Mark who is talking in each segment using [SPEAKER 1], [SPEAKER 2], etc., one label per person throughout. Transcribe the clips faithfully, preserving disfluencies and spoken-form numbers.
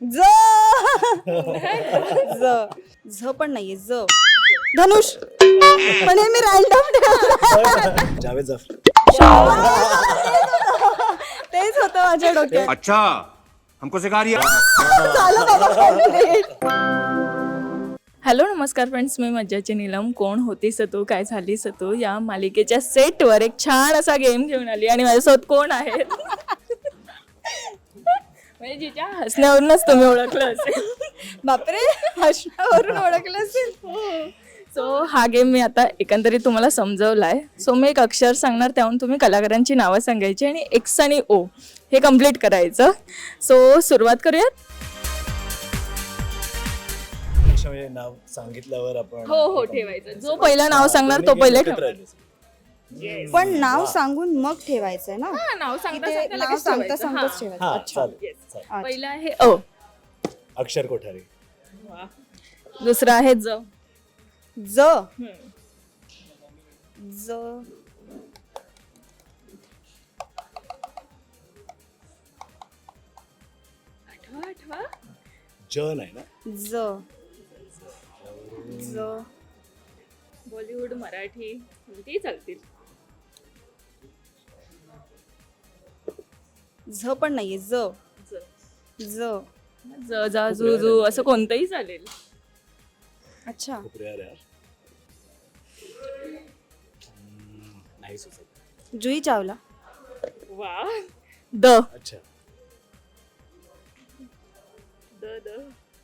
[SPEAKER 1] ज ज झ पण नाहीये ज धनुष पण हे मी रॅन्डम
[SPEAKER 2] जावेद जाफरी.
[SPEAKER 1] तेच होतं माझ्या डोक्यात.
[SPEAKER 3] अच्छा हमको सिखा रही है.
[SPEAKER 4] हॅलो नमस्कार फ्रेंड्स, मी मज्जाची नीलम. कोण होतीस तू काय झालीस तू या मालिकेच्या सेटवर एक छान असा गेम घेऊन आली आणि माझ्यासोबत कोण आहेत म्हणजे जिच्या हसण्यावरूनच तुम्ही ओळखलं असेल.
[SPEAKER 1] बापरे हसण्यावरून ओळखलं असेल.
[SPEAKER 4] सो हा गेम मी आता एकंदरीत तुम्हाला समजवला आहे. सो मी एक अक्षर सांगणार, त्याहून तुम्ही कलाकारांची नावं सांगायची आणि एक्स आणि ओ हे कम्प्लीट करायचं. सो सुरुवात करूयात.
[SPEAKER 2] म्हणजे नाव सांगितल्यावर आपण
[SPEAKER 4] हो हो ठेवायचं. जो पहिलं नाव सांगणार तो पहिले ठेवायचं.
[SPEAKER 1] पण नाव सांगून मग ठेवायचंय ना.
[SPEAKER 4] हा, नाव सांगता
[SPEAKER 1] ते
[SPEAKER 4] सांगता
[SPEAKER 1] नाव
[SPEAKER 4] लगेच
[SPEAKER 1] सांगता
[SPEAKER 4] ठेवायचं.
[SPEAKER 1] सांगताच
[SPEAKER 4] हा.
[SPEAKER 1] ठेवायचं.
[SPEAKER 2] हा
[SPEAKER 1] अच्छा
[SPEAKER 2] चालेल चालेल.
[SPEAKER 4] पहिला आहे अ,
[SPEAKER 2] अक्षर कोठारे.
[SPEAKER 4] दुसरा आहे ज,
[SPEAKER 1] ज ज
[SPEAKER 4] आठवा आठवा
[SPEAKER 2] ज नाही ना.
[SPEAKER 1] ज ज
[SPEAKER 4] बॉलिवूड मराठी कोणतीही चालतील.
[SPEAKER 1] झ पण नाहीये ज
[SPEAKER 4] ज
[SPEAKER 1] ज
[SPEAKER 4] ज जा जू जू असं कोणतंही चालेल.
[SPEAKER 1] अच्छा
[SPEAKER 2] खूप रेअर यार. हम्म, नाही सुचत.
[SPEAKER 1] जुई चावला.
[SPEAKER 4] वा द
[SPEAKER 2] अच्छा
[SPEAKER 4] द द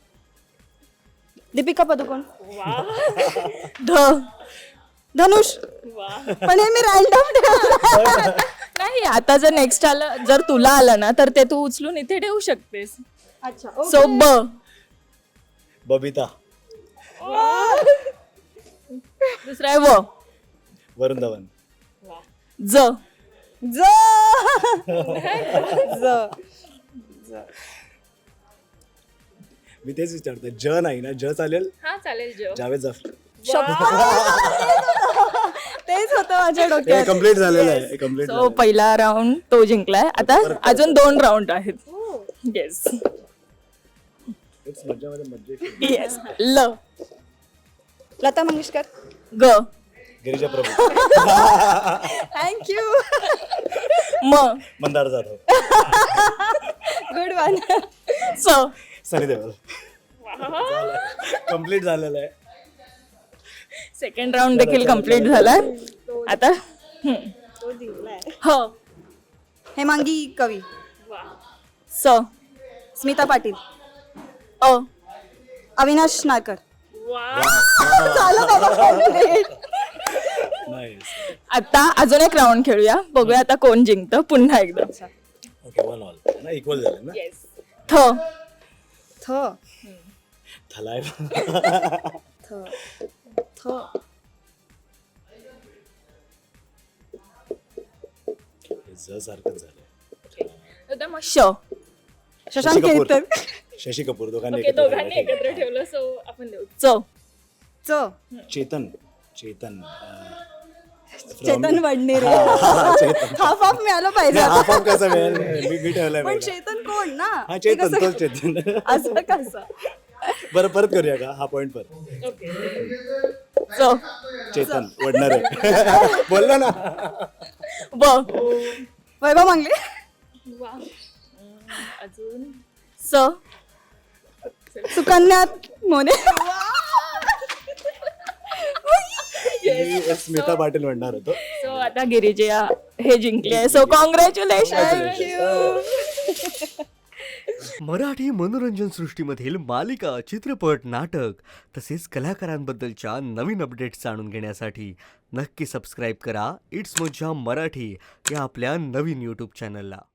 [SPEAKER 1] दीपिका पदुकोण.
[SPEAKER 4] वा ध
[SPEAKER 1] धनुष
[SPEAKER 4] वा.
[SPEAKER 1] पण हे मी रॅन्डम
[SPEAKER 4] नाही, आता जर नेक्स्ट आलं, जर तुला आलं ना तर ते तू उचलून इथे ठेवू शकतेस.
[SPEAKER 1] अच्छा
[SPEAKER 4] सो ब
[SPEAKER 2] बबिता.
[SPEAKER 4] दुसरा आहे व
[SPEAKER 2] वरुण धवन.
[SPEAKER 4] ज
[SPEAKER 1] ज ज ज
[SPEAKER 2] मी तेच विचारतोय. ज नाही ना. ज चालेल.
[SPEAKER 4] हा चालेल. ज
[SPEAKER 2] जावेद जाफरी.
[SPEAKER 1] तेच होतं माझ्या डोक्यात.
[SPEAKER 2] कम्प्लीट झालेलं आहे. कम्प्लीट
[SPEAKER 4] सो पहिला राऊंड तो जिंकलाय. आता अजून दोन राऊंड आहेत. येस
[SPEAKER 2] मज्जा मध्ये मज्जा.
[SPEAKER 4] येस. ल
[SPEAKER 1] लता मंगेशकर.
[SPEAKER 4] ग
[SPEAKER 2] गिरिजा प्रभू.
[SPEAKER 1] थँक्यू.
[SPEAKER 4] म
[SPEAKER 2] मंदार जाधव.
[SPEAKER 1] Good one.
[SPEAKER 4] स
[SPEAKER 2] सनी देओल. कम्प्लीट झालेलं आहे.
[SPEAKER 4] सेकंड राऊंड देखील कम्प्लीट झालाय. आता हम्म.
[SPEAKER 1] तो जिंकलाय.
[SPEAKER 4] ह
[SPEAKER 1] हेमांगी कवी.
[SPEAKER 4] स
[SPEAKER 1] स्मिता पाटील.
[SPEAKER 4] अ
[SPEAKER 1] अविनाश नारकर.
[SPEAKER 2] नाईस.
[SPEAKER 4] आता अजून एक राऊंड खेळूया. बघूया आता कोण जिंकतं. पुन्हा एकदा.
[SPEAKER 2] ओके वन ऑल ना. इक्वल झाले ना.
[SPEAKER 4] थ
[SPEAKER 1] थ
[SPEAKER 2] थलाय.
[SPEAKER 1] थ थ
[SPEAKER 2] ज सारखंच झालं.
[SPEAKER 4] आता मग श.
[SPEAKER 1] शशांक
[SPEAKER 2] कपूर.
[SPEAKER 1] केतकर.
[SPEAKER 2] शशी कपूर. दोघांनी
[SPEAKER 4] ओके,
[SPEAKER 2] एकत्र
[SPEAKER 4] दोघांनी
[SPEAKER 2] झालं.
[SPEAKER 4] एकत्र ठेवलं. सो आपण देऊ च.
[SPEAKER 1] च
[SPEAKER 2] चेतन. चेतन अं,
[SPEAKER 1] चेतन वडनेरे.
[SPEAKER 2] हा, चेतन.
[SPEAKER 1] हाफ हाफ मिळालं पाहिजे.
[SPEAKER 2] हाफ हाफ कसं मिळेल. मी मी ठेवलाय
[SPEAKER 1] पण
[SPEAKER 2] वेगळा.
[SPEAKER 1] चेतन कोण ना.
[SPEAKER 2] हा
[SPEAKER 1] ते
[SPEAKER 2] चेतन.
[SPEAKER 1] कसं-
[SPEAKER 2] तोच चेतन.
[SPEAKER 1] असं कसं.
[SPEAKER 2] बरं परत करूया का हा पॉइंट परत.
[SPEAKER 4] च
[SPEAKER 2] चेतन वडणार आहे. बोलला ना.
[SPEAKER 4] ब
[SPEAKER 1] वैभव मांगले.
[SPEAKER 4] अजून स
[SPEAKER 1] सुकन्या मोने.
[SPEAKER 2] मी स्मिता पाटील म्हणणार होतो.
[SPEAKER 4] सो आता गिरिजा हे जिंकले आहे. So congratulation.
[SPEAKER 5] मराठी मनोरंजन सृष्टीमधील मालिका, चित्रपट, नाटक तसेच कलाकारांबद्दलच्या नवीन अपडेट्स जाणून घेण्यासाठी नक्की सबस्क्राईब करा इट्स मज्जा मराठी या आपल्या नवीन यूट्यूब चॅनलला.